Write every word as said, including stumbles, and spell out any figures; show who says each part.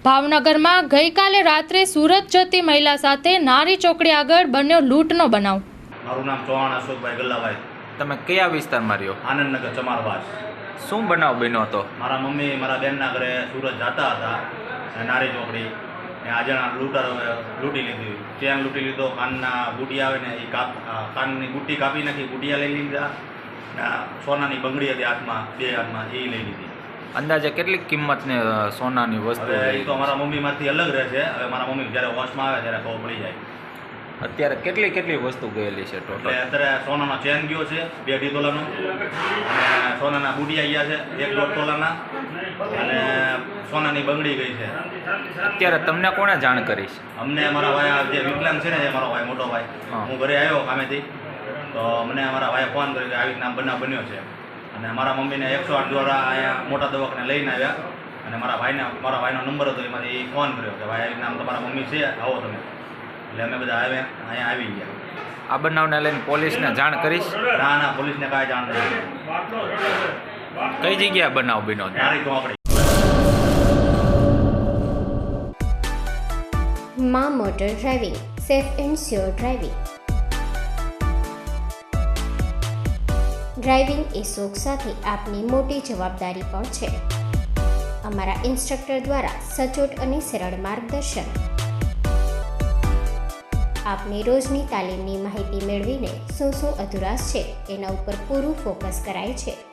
Speaker 1: ભાવનગરમાં ગઈકાલે રાત્રે સુરત જતી મહિલા સાથે નારી ચોકડી આગળ બન્યો લૂંટનો બનાવ।
Speaker 2: મારું નામ ચૌહાણ અશોકભાઈ ગલ્લાભાઈ।
Speaker 3: તમે કયા વિસ્તારમાં રહ્યો?
Speaker 2: આનંદનગર ચમારવાસ।
Speaker 3: શું બનાવ બન્યો હતો?
Speaker 2: મારા મમ્મી મારા બેનના ઘરે સુરત જતા હતા નારી ચોકડી ને આજણા લૂંટારો લૂંટી લીધી। ચેન લૂંટી લીધો, કાનના બુટી આવે ને એ કાપ કાનની બુટ્ટી કાપી નાખી, બુટિયા લઈ લીધા ને સોનાની બંગડી હતી હાથમાં, બે હાથમાં એ લઈ લીધી।
Speaker 3: અંદાજે કેટલી કિંમતની સોનાની વસ્તુ?
Speaker 2: એ તો મારા મમ્મીમાંથી અલગ રહે છે। હવે મારા મમ્મી જ્યારે હોશમાં આવે ત્યારે ખબર પડી જાય।
Speaker 3: અત્યારે કેટલી કેટલી વસ્તુ ગયેલી છે ટોટલ?
Speaker 2: એટલે અત્યારે સોનાનો ચેન ગયો છે બે અઢી તોલાનો, અને સોનાના બુટિયા ગયા છે એક દોઢ તોલાના, અને સોનાની બંગડી ગઈ છે।
Speaker 3: અત્યારે તમને કોણે જાણ કરી છે?
Speaker 2: અમને મારા ભાઈ જે વિકલાંગ છે ને, એ મારો ભાઈ મોટો ભાઈ, હું ઘરે આવ્યો કામેથી તો મને મારા ભાઈએ ફોન કર્યો કે આવી રીતના બનાવ બન્યો છે, અને મારા મમ્મીને એકસો આઠ દ્વારા અહીંયા મોટા દવાખાને લઈને આવ્યા, અને મારા ભાઈને મારા ભાઈનો નંબર હતો એમાંથી ફોન કર્યો કે ભાઈ આવી રીતના તમારા મમ્મી છે, આવો તમે। એટલે અમે બધા આવ્યા, અહીંયા આવી ગયા।
Speaker 3: આ બનાવને લઈને પોલીસને જાણ કરીશ?
Speaker 2: ના ના, પોલીસને કાંઈ જાણ નથી।
Speaker 3: કઈ જગ્યાએ બનાવ બન્યો?
Speaker 2: નારી ચોકડી।
Speaker 4: માં motor driving, safe and sure driving. Driving એ શોખ સાથે આપની મોટી જવાબદારી પણ છે। અમારા ઇન્સ્ટ્રક્ટર દ્વારા સચોટ અને સરળ માર્ગદર્શન, આપની રોજની તાલીમની માહિતી મેળવીને શું શું અધુરાશ છે એના ઉપર પૂરું ફોકસ કરાય છે।